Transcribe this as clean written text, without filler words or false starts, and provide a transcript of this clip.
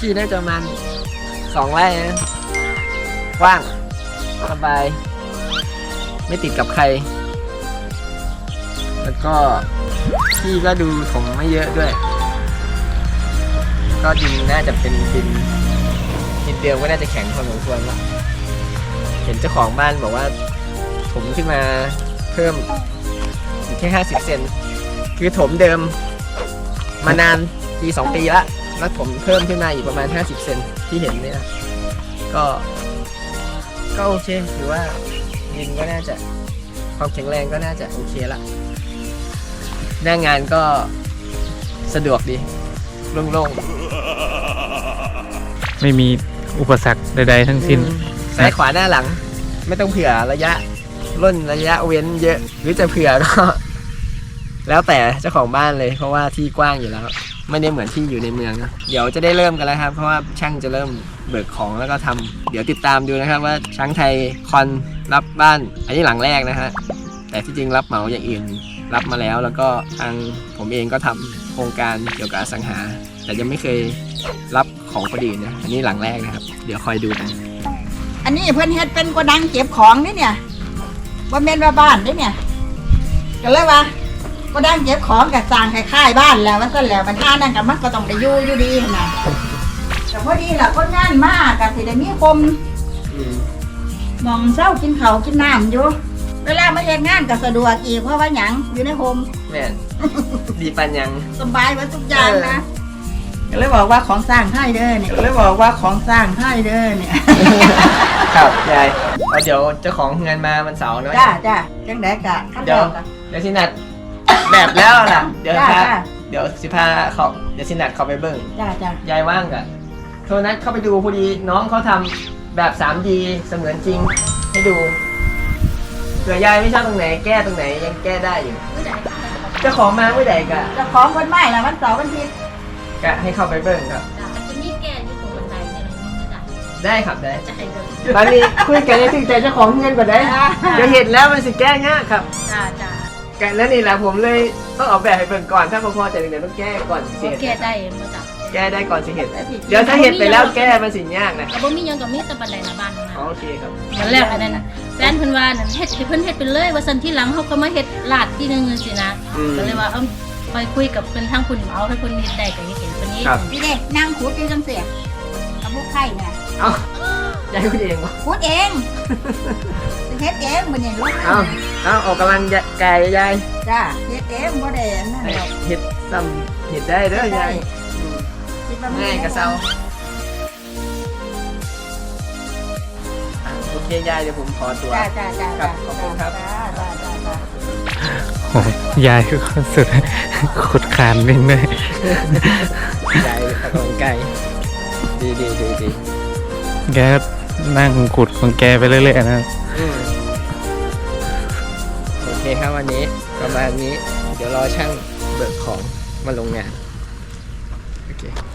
ที่น่าจะประมาณ2 ไร่นะกว้างสบายไม่ติดกับใครแล้วก็ที่ก็ดูถมไม่เยอะด้วยก็ดินน่าจะเป็นดินเดิมก็น่าจะแข็งพอสมควรแล้วเห็นเจ้าของบ้านบอกว่าถมขึ้นมาเพิ่มแค่50 เซนคือถมเดิมมานานปี2 ปีแล้วถมเพิ่มขึ้นมาอีกประมาณ50 เซนที่เห็นเนี่ยนะก็โอเคหรือว่าดินก็น่าจะความแข็งแรงก็น่าจะโอเคละหน้างานก็สะดวกดีโล่งๆไม่มีอุปสรรคใดๆทั้งสิ้นซ้ายขวาหน้าหลังไม่ต้องเผื่อระยะร่นระยะเว้นเยอะหรือจะเผื่อก็แล้วแต่เจ้าของบ้านเลยเพราะว่าที่กว้างอยู่แล้วไม่ได้เหมือนที่อยู่ในเมืองนะเดี๋ยวจะได้เริ่มกันแล้วครับเพราะว่าช่างจะเริ่มเบิกของแล้วก็ทำเดี๋ยวติดตามดูนะครับว่าช้างไทยคอนรับบ้านอันนี้หลังแรกนะฮะแต่ที่จริงรับเหมาอย่างอื่นรับมาแล้วก็ทางผมเองก็ทำโครงการเกี่ยวกับอสังหาแต่ยังไม่เคยรับของคนอื่นนะอันนี้หลังแรกนะครับเดี๋ยวคอยดูกันอันนี้เพื่อนเฮ็ดเป็นโกดังเก็บของนี่เนี่ยว่าเมนว่าบ้านนี่เนี่ยก็เลยว่าโกดังเก็บของกับสร้างคล้ายๆบ้านแล้วมันก็แล้วมันท่านั่นกับมันก็ต้องได้อยู่ดีนะแต่พอดีล่ะคนงานมากกับสิได้มีคมมองเศร้ากินข้าวกินน้ำอยู่เวลามาเฮ็ดงานก็สะดวกอีกเพราะว่าหยังอยู่ในโฮมแม่นดีปันยังสบายมาทุกอย่างนะก็เลยบอกว่าของสร้างไทยเด้อเนี่ยก็เลยบอกว่าของสร้างไทยเด้อเนี่ยครับยายเดี๋ยวเจ้าของงานมาวันเสาร์เนาะจ้าจังได๋กะเดี๋ยวสินัดแบบแล้วล่ะเดี๋ยวสิพาเขาเดี๋ยวสินัดเขาไปเบิ่งจ้ยายว่างกะโทรนัดเข้าไปดูพอดีน้องเขาทำแบบ 3D เสมือนจริงให้ดูเผื่อยายไม่ชอบตรงไหนแก้ตรงไหนยังแก้ได้อยู่เจ้าของมาเมื่อใดกะเจ้าของวันใหม่ละวันเสาร์วันอาทิตย์กะให้เข้าไปเบิ่งครับจะมีแก้ที่ตรงบันไดเนี่ยเราไม่ได้ได้ครับได้ตอนนี้คุยกันให้ถึงใจเจ้าของเงินก่อนได้เดี๋ยวเห็นแล้วมันสิแก้ง่ายครับจ้ากันนั่นนี่แหละผมเลยต้องออกแบบให้เบิ่งก่อนถ้าพอจะเดี๋ยวต้องแก้ก่อนสิเห็ดแก้ได้มาจ้ะแก้ได้ก่อนสิเห็ดเดี๋ยวถ้าเห็ดไปแล้วแก้มันสิยากนะบ่มียังกับมีแต่บันไดหน้าบ้านนะโอเคครับมันแรกอันนั้นนะแฟนเพิ่นว่านั่นเฮ็ดให้เพิ่นเฮ็ดไปเลยว่าซั่นที่หลังเขาก็มาเฮ็ดลาดที่นึงสินะก็เลยว่าไปคุยกับเพิ่นทางคุณเอาให้เพิ่นเฮ็ดได้ก็เห็นเพิ่นนี้นี่เด้นั่งขุดอยู่จังซี่กับลูกไข่เนี่ยเอ้ายายขุดเองบ่ขุดเองเฮ็ดเองบ่นี่ลูกเอาออกกำลังกายยายจ้าเฮ็ดเองบ่ได้นั่นดอกเฮ็ดซ้ำเฮ็ดได้เด้อยายง่ายกะเซาโอเคยายเดี๋ยวผมขอตัวจ้าขอบคุณครับโอ้ยายคือคนสุดขุดคานนิ่งเลยยายตะกงไก่ดีแกนั่งขุดของแกไปเรื่อยๆนะโอเคครับวันนี้ประมาณนี้เดี๋ยวรอช่างเบิกของมาลงงานโอเค